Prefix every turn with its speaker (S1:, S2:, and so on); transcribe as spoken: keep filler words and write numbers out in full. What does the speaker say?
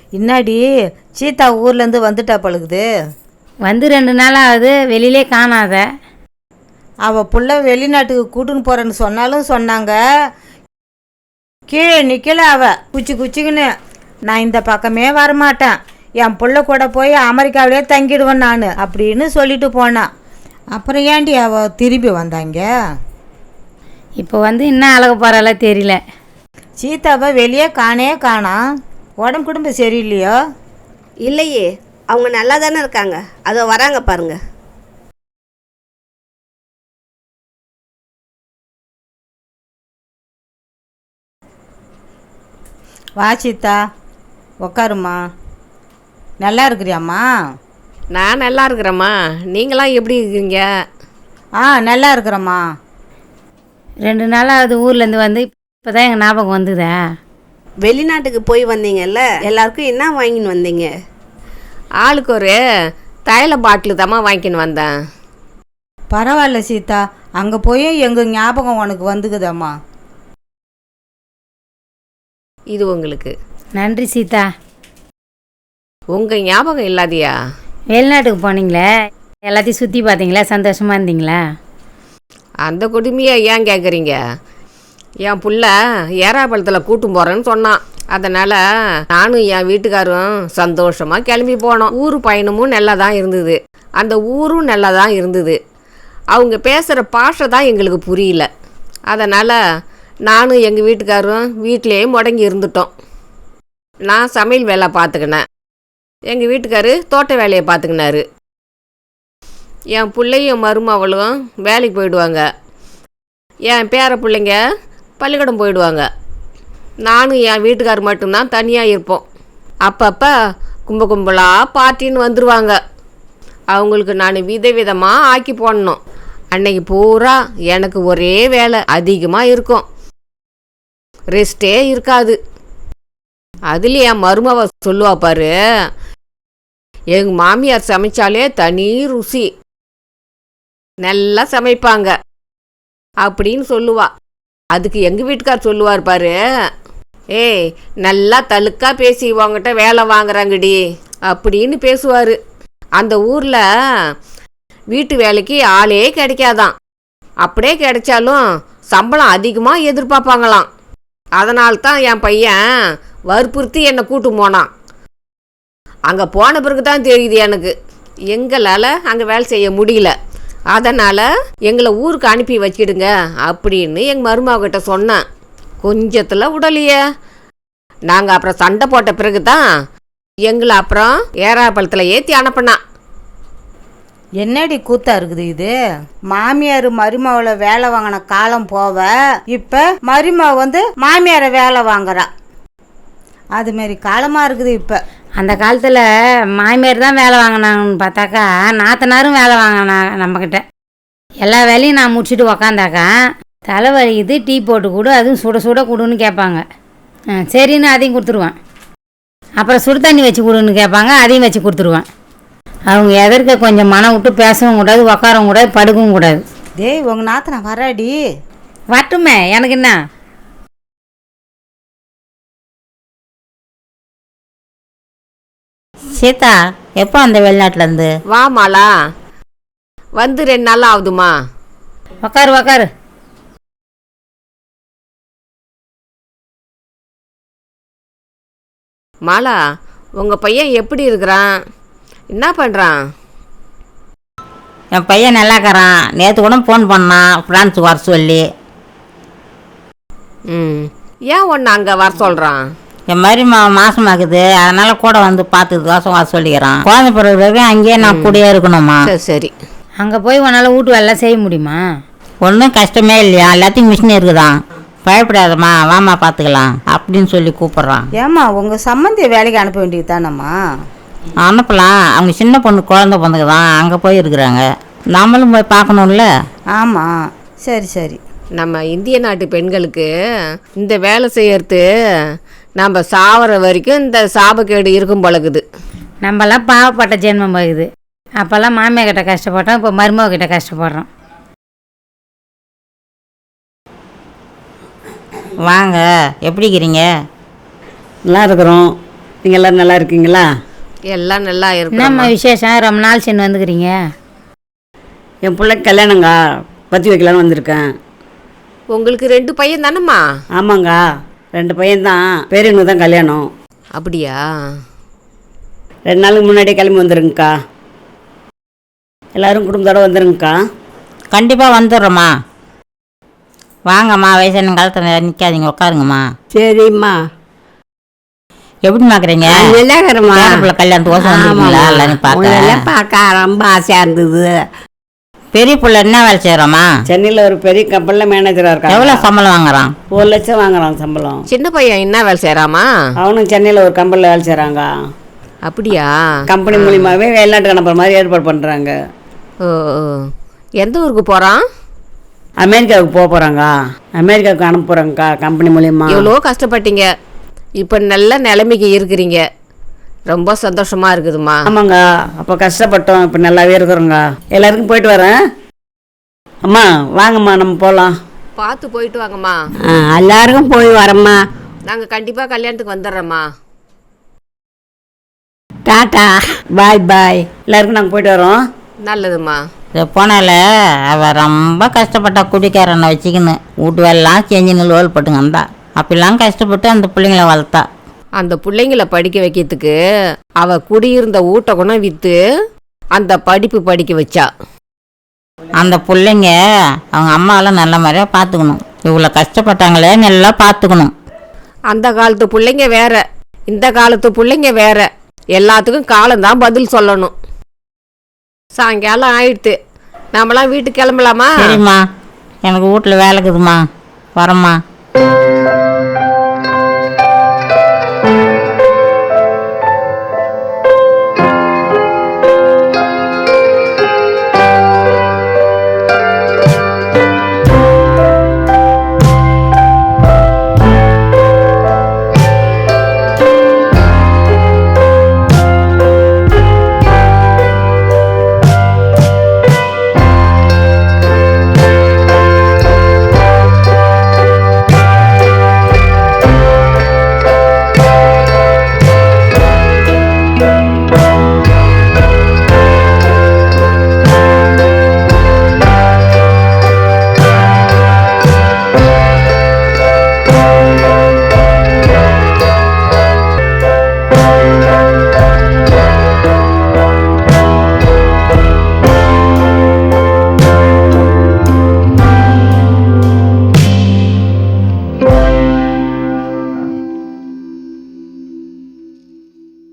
S1: இன்னாடி சீதா ஊர்லேருந்து வந்துட்டா பழுகுது.
S2: வந்து ரெண்டு நாள் ஆகுது, வெளியிலே காணாத.
S1: அவள் புள்ள வெளிநாட்டுக்கு கூட்டுன்னு போகிறேன்னு சொன்னாலும் சொன்னாங்க. கீழே நிற்கல அவள் குச்சி குச்சிக்குன்னு. நான் இந்த பக்கமே வரமாட்டேன், என் புள்ள கூட போய் அமெரிக்காவிலே தங்கிடுவேன் நான் அப்படின்னு சொல்லிட்டு போனான். அப்புறம் ஏண்டி அவள் திரும்பி வந்தாங்க?
S2: இப்போ வந்து இன்னும் அழகு போகிறால தெரியல.
S1: சீதாவை வெளியே காணே காணாம். உடம்பு குடும்பம் சரியில்லையோ?
S3: இல்லையே, அவங்க நல்லா தானே இருக்காங்க. அதோ வராங்க பாருங்க.
S1: வா சீதா, உக்காருமா. நல்லா இருக்கிறியாம்மா?
S4: நான் நல்லா இருக்கிறேம்மா. நீங்களாம் எப்படி இருக்கீங்க?
S1: ஆ நல்லா இருக்கிறேம்மா.
S2: ரெண்டு நாளாவது ஊர்லேருந்து வந்து இப்போ தான் எங்கள் ஞாபகம் வந்துதா.
S3: வெளிநாட்டுக்கு போய் வந்தீங்கல்ல, எல்லாருக்கும் என்ன வாங்கின்னு வந்தீங்க?
S4: ஆளுக்கு ஒரு தைல பாட்டில் தாம்மா வாங்கின்னு வந்தேன்.
S1: பரவாயில்ல சீதா, அங்கே போய் எங்கள் ஞாபகம் உனக்கு வந்துக்குதாம்மா.
S4: இது உங்களுக்கு.
S2: நன்றி சீதா.
S4: உங்கள் ஞாபகம் இல்லாதியா?
S2: வெளிநாட்டுக்கு போனீங்களே, எல்லாத்தையும் சுற்றி பார்த்தீங்களா? சந்தோஷமாக இருந்தீங்களா?
S4: அந்த கொடுமையை ஏன் கேட்குறீங்க? என் புள்ள ஏறாப்பழத்தில் கூட்டும் போகிறேன்னு சொன்னான். அதனால் நானும் என் வீட்டுக்காரும் சந்தோஷமாக கிளம்பி போனோம். ஊர் பயணமும் நல்லா தான் இருந்தது, அந்த ஊரும் நல்லா தான் இருந்தது. அவங்க பேசுகிற பாஷை தான் எங்களுக்கு புரியல. அதனால் நானும் எங்கள் வீட்டுக்காரும் வீட்டிலேயே முடங்கி இருந்துட்டோம். நான் சமையல் வேலை பார்த்துக்கினேன், எங்கள் வீட்டுக்காரு தோட்ட வேலையை பார்த்துக்கினாரு. என் பிள்ளையும் மருமவளும் வேலைக்கு போயிடுவாங்க, என் பேர பிள்ளைங்க பள்ளிக்கூடம் போயிடுவாங்க. நானும் என் வீட்டுக்கார் மட்டும்தான் தனியாக இருப்போம். அப்பப்போ கும்ப கும்பலாக பார்ட்டின்னு வந்துடுவாங்க. அவங்களுக்கு நான் விதவிதமாக ஆக்கி போடணும். அன்னைக்கு பூரா எனக்கு ஒரே வேலை அதிகமாக இருக்கும், ரெஸ்ட்டே இருக்காது. அதுலேயும் என் மருமவ சொல்லுவா பாரு, எங்கள் மாமியார் சமைச்சாலே தனி ருசி, நல்லா சமைப்பாங்க அப்படின்னு சொல்லுவா. அதுக்கு எங்கள் வீட்டுக்கார் சொல்லுவார் பாரு, ஏய் நல்லா தழுக்கா பேசி உங்ககிட்ட வேலை வாங்குறாங்கடி அப்படின்னு பேசுவார். அந்த ஊரில் வீட்டு வேலைக்கு ஆளே கிடைக்காதான், அப்படியே கிடைச்சாலும் சம்பளம் அதிகமாக எதிர்பார்ப்பாங்களாம். அதனால்தான் என் பையன் வற்புறுத்தி என்னை கூட்டு போனான். அங்கே போன பிறகு தான் தெரியுது எனக்கு எங்களால் அங்கே வேலை செய்ய முடியல. அதனால் எங்களை ஊருக்கு அனுப்பி வச்சிடுங்க அப்படின்னு எங்கள் மருமகிட்ட சொன்னேன். கொஞ்சத்தில் உடலையே. நாங்கள் அப்புறம் சண்டை போட்ட பிறகு தான் எங்களை அப்புறம் ஏறாப்பழத்தில் ஏற்றி அனுப்பினான்.
S1: என்னடி கூத்தா இருக்குது இது? மாமியார் மருமவளை வேலை வாங்கின காலம் போவ, இப்போ மருமவ வந்து மாமியாரை வேலை வாங்குறா. அதுமாரி காலமாக இருக்குது இப்போ.
S2: அந்த காலத்தில் மாமியார் தான் வேலை வாங்கினாங்கன்னு பார்த்தாக்கா நாத்தனாரும் வேலை வாங்கினாங்க நம்மக்கிட்ட. எல்லா வேலையும் நான் முடிச்சுட்டு உக்காந்தாக்கா தலைவலிக்குது, டீ போட்டு கொடு, அதுவும் சுட சுட கொடுன்னு கேட்பாங்க. சரின்னு அதையும் கொடுத்துருவேன். அப்புறம் சுடு தண்ணி வச்சு கொடுன்னு கேட்பாங்க, அதையும் வச்சு கொடுத்துருவேன். அவங்க எதற்கு கொஞ்சம் மனம் விட்டு பேசவும் கூடாது, உக்காரவும் கூடாது, படுக்கவும் கூடாது.
S1: டேய் உங்கள் நாத்தனை வராடி.
S2: வரட்டுமே, எனக்கு என்ன.
S5: சீதா எப்போ அந்த வெளிநாட்டிலேருந்து?
S4: வா மாலா, வந்து ரெண்டு நாள் ஆகுதுமா.
S2: உக்காரு உக்காரு.
S4: மாலா, உங்கள் பையன் எப்படி இருக்கிறான்? என்ன பண்ணுறான்?
S5: என் பையன் நல்லாக்கிறான். நேற்று கூட ஃபோன் பண்ணான் ஃப்ரான்ஸுக்கு வர சொல்லி.
S4: ம், ஏன் ஒன்று அங்கே வர சொல்கிறான்?
S5: என் மாதிரி மா மாசமாக்குது, அதனால் கூட வந்து பார்த்துக்கு தோசை வர சொல்லிக்கிறான். குழந்தை பிறகு வரைக்கும் அங்கேயே நான் கூடயே இருக்கணுமா?
S4: சரி சரி.
S2: அங்கே போய் உன்னால் வீட்டு வேலை செய்ய முடியுமா?
S5: ஒன்றும் கஷ்டமே இல்லையா, எல்லாத்தையும் மிஷின் இருக்குதான். பயப்படாதம்மா, வாமா பார்த்துக்கலாம் அப்படின்னு சொல்லி கூப்பிட்றான்.
S1: ஏம்மா உங்கள் சம்மந்தியை வேலைக்கு அனுப்ப வேண்டியது தானம்மா?
S5: அனுப்பலாம், அவங்க சின்ன பொண்ணு குழந்தை பிறந்துக்குதான், அங்கே போய் இருக்கிறாங்க. நம்மளும் போய் பார்க்கணும்ல.
S1: ஆமாம், சரி சரி.
S4: நம்ம இந்திய நாட்டு பெண்களுக்கு இந்த வேலை செய்யறது நம்ம சாவர வரைக்கும் இந்த சாபக்கேடு இருக்கும் பழகுது.
S2: நம்மலாம் பாவப்பட்ட ஜென்மம் போகுது. அப்போல்லாம் மாமியார் கிட்ட கஷ்டப்பட்டோம், இப்போ மருமக கிட்ட கஷ்டப்படுறோம்.
S5: வாங்க, எப்படி இருக்கிறீங்க?
S6: நல்லா இருக்கிறோம். நீங்கள் எல்லோரும் நல்லா இருக்கீங்களா?
S4: எல்லாம் நல்லா
S2: என்னம்மா
S4: இருக்கும்.
S2: விசேஷம் ரொம்ப நாள் சென்று வந்துக்கிறீங்க?
S6: என் பிள்ளைக்கு கல்யாணங்க, பற்றி வைக்கலான்னு வந்திருக்கேன்.
S4: உங்களுக்கு ரெண்டு பையன் தானம்மா?
S6: ஆமாங்க, ரெண்டு பையன்தான். பெரியவனுக்கு தான் கல்யாணம்.
S4: அப்படியா?
S6: ரெண்டு நாளுக்கு முன்னாடியே கிளம்பி வந்துருங்கக்கா. எல்லோரும் குடும்பத்தோடு வந்துருங்கக்கா.
S5: கண்டிப்பாக வந்துடுறோம்மா. வாங்கம்மா, வயசான காலத்தில் நிற்காதீங்க, உட்காருங்கம்மா.
S7: சரிம்மா.
S5: எப்படிம்மா இருக்கிறீங்க?
S7: நல்லாக்கிறம்மா.
S5: பேரப்பிள்ளை கல்யாணத்துக்கு வந்துருக்கீங்களா எல்லாரும் பார்க்க?
S7: பார்க்க ரொம்ப ஆசையாக இருந்தது.
S5: பெரிய பிள்ளை என்ன வேலை செய்கிறோம்மா?
S6: சென்னையில் ஒரு பெரிய கம்பெனியில் மேனேஜராக இருக்கான்.
S5: எவ்வளோ சம்பளம் வாங்குறான்?
S6: ஒரு லட்சம் வாங்குறான் சம்பளம்.
S4: சின்ன பையன் என்ன வேலை செய்கிறாமா?
S6: அவனும் சென்னையில் ஒரு கம்பெனியில் வேலை செய்கிறாங்க.
S4: அப்படியா?
S6: கம்பெனி மூலியமாகவே வெளிநாட்டுக்கு அனுப்புகிற மாதிரி ஏற்பாடு பண்ணுறாங்க.
S4: ஓ ஓ. எந்த ஊருக்கு போகிறான்?
S6: அமெரிக்காவுக்கு போக போகிறாங்க. அமெரிக்காவுக்கு அனுப்ப போகிறாங்கக்கா கம்பெனி மூலியமாக.
S4: எவ்வளோ கஷ்டப்பட்டீங்க, இப்போ நல்ல நிலைமைக்கு இருக்கிறீங்க. ரொம்ப சந்தோஷமாக இருக்குதுமா.
S6: ஆமாங்க, அப்போ கஷ்டப்பட்டோம், இப்போ நல்லாவே இருக்கிறோங்க. எல்லாருக்கும் போயிட்டு வரேன். அம்மா வாங்கம்மா, நம்ம போகலாம்.
S4: பார்த்து போயிட்டு வாங்கம்மா.
S7: ஆ, எல்லாருக்கும் போய் வரம்மா.
S4: நாங்கள் கண்டிப்பாக கல்யாணத்துக்கு வந்துடுறோம்மா.
S7: டாட்டா, பாய் பாய்.
S6: எல்லாருக்கும் நாங்கள் போயிட்டு வரோம்.
S4: நல்லதும்மா.
S5: இது போனால அவள் ரொம்ப கஷ்டப்பட்டா, குடிக்காரனை வச்சுக்கின்னு வீட்டு வேலைலாம் செஞ்சுன்னு லோல் போட்டுங்க வந்தா. அப்படிலாம் கஷ்டப்பட்டு அந்த பிள்ளைங்கள வளர்த்தா.
S4: அந்த பிள்ளைங்கள படிக்க வைக்கிறதுக்கு அவ குடியிருந்த ஊட்ட குணம் விற்று அந்த படிப்பு படிக்க வச்சா.
S5: அந்த பிள்ளைங்க அவங்க அம்மாவெல்லாம் நல்ல மாதிரியாக பார்த்துக்கணும். இவ்வளோ கஷ்டப்பட்டாங்களே, நல்லா பார்த்துக்கணும்.
S4: அந்த காலத்து பிள்ளைங்க வேற, இந்த காலத்து பிள்ளைங்க வேற. எல்லாத்துக்கும் காலம்தான் பதில் சொல்லணும். சாயங்காலம் ஆயிடுத்து, நாமெல்லாம் வீட்டுக்கு கிளம்பலாமா?
S5: சரிம்மா, எனக்கு வீட்டில் வேலைக்குதுமா, வரம்மா.